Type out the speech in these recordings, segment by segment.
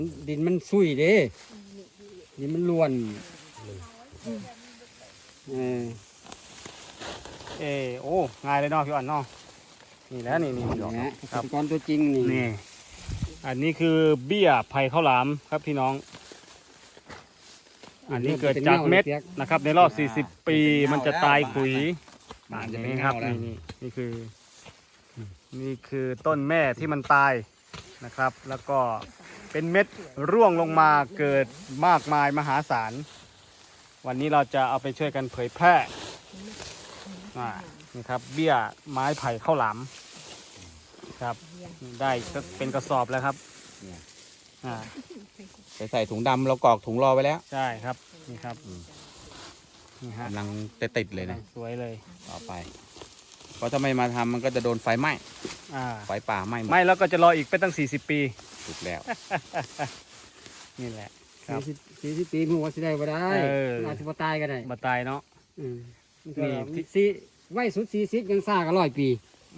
ดินมันซุยเด้ดินมันล้วนโอ้ง่ายเลยเนาะพี่อ่อนเนาะนี่แล้วนี่ครับก้อนตัวจริงนี่อันนี้คือเบี้ยไผ่ข้าวหลามครับพี่น้องอันนี้เกิดจากเม็ดนะครับในรอบ40 ปีมันจะตายขุยนี่ครับนี่คือต้นแม่ที่มันตายนะครับแล้วก็เป็นเม็ดร่วงลงมาเกิดมากมายมหาศาลวันนี้เราจะเอาไปช่วยกันเผยแพร่นี่ครับเบี้ยไม้ไผ่ข้าวหลามครับได้เป็นกระสอบแล้วครับใส่ถุงดำเรากรอกถุงรอไว้แล้วใช่ครับนี่ครับนี่ฮะกำลังติดเลยนะสวยเลยต่อไปเพราะถ้าไม่มาทำมันก็จะโดนไฟไหม้ไฟป่าไหม้ไม่แล้วก็จะรออีกไปตั้ง40 ปีถูกแล้วนี่แหละ 40 ปีมึงว่าสิได้บ่ได้อาจจะบ่ตายก็ได้บ่ตายเนาะนี่ไว้สุด40ยังซ่าก็100 ปี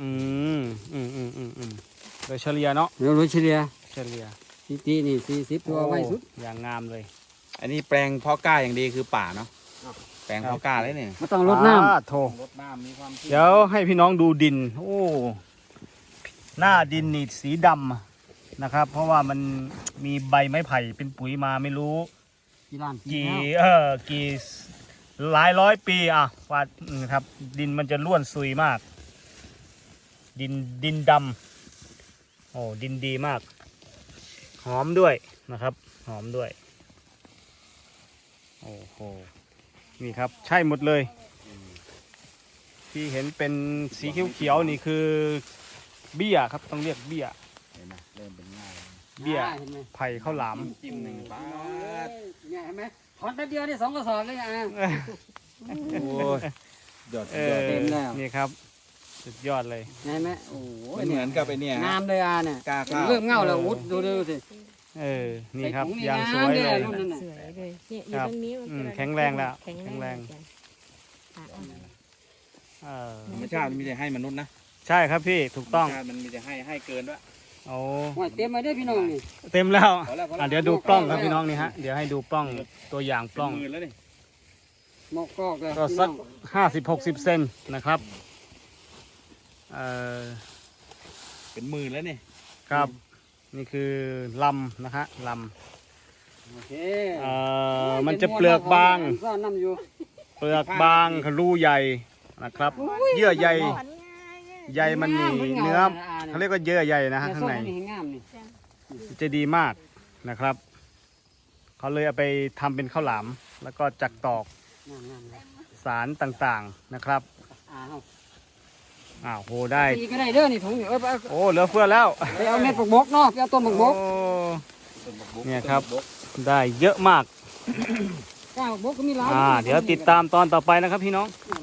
โดยเฉลี่ยเนาะโดยเฉลี่ยปีนี่40ตัวไว้สุดอย่างงามเลยอันนี้แปลงเพาะกล้าอย่างดีคือป่าเนาะแปลงเพาะกล้าเลยเนี่ยไม่ต้องรดน้ำรดน้ำมีความเดี๋ยวให้พี่น้องดูดินโอ้หน้าดินนี่สีดำนะครับเพราะว่ามันมีใบไม้ไผ่เป็นปุ๋ยมาไม่รู้กี่หลายร้อยปีว่าครับดินมันจะร่วนซุยมากดินดำโอ้ดินดีมากหอมด้วยนะครับหอมด้วยโอ้โหนี่ครับใช่หมดเลยที่เห็นเป็นสีเขียวๆนี่คือเบี้ยครับต้องเรียกเบี้ยเห็นไหมเริ่มเป็นง่ายเบี้ยไผ่ข้าวหลามจิ้ม1 บาทเนี่ยเห็นไหมถอนแป๊บเดียวนี่2 กระสอบเลยโอ้ยยอดเต็มแล้วนี่ครับสุดยอดเลยเห็นไหมโอ้เหมือนกับไอ้เนี่ยงามเลยเนี่ยเริ่มเงาแล้วอุดดูสินี่ครับอย่างสวยเลยสวยเลยเนี่ยอยู่ตรงนี้แข็งแรงแล้วแข็งแรงธรรมชาติมันมีแต่ให้มนุษย์นะใช่ครับพี่ถูกต้องมันมีแต่ให้เกินด้วยโอ้เต็มมาด้วยพี่น้องนี่เต็มแล้วเดี๋ยวดูปล้องครับพี่น้องนี่ฮะเดี๋ยวให้ดูปล้องตัวอย่างปล้องหมอกกอกเลยก็สัก50-60 เซนนะครับเป็นหมื่นแล้วนี่ครับนี่คือลำนะฮะลำมันจะเปลือกบางเปลือกบางรูใหญ่นะครับเยื่อใยมันมีเนื้อเขาเรียกว่าเยื่อใยนะฮะข้างในจะดีมากนะครับเขาเลยเอาไปทำเป็นข้าวหลามแล้วก็จักตอกสารต่างๆนะครับโหได้ก็ได้เด้อนี่ถุงโอ้เหลือเฟือแล้วไปเอาเม็ดบกเนาะไปเอาต้นบกเนี่ยครับได้เยอะมากก้าวบกก็มีหลายเดี๋ยวติดตามตอนต่อไปนะครับพี่น้อง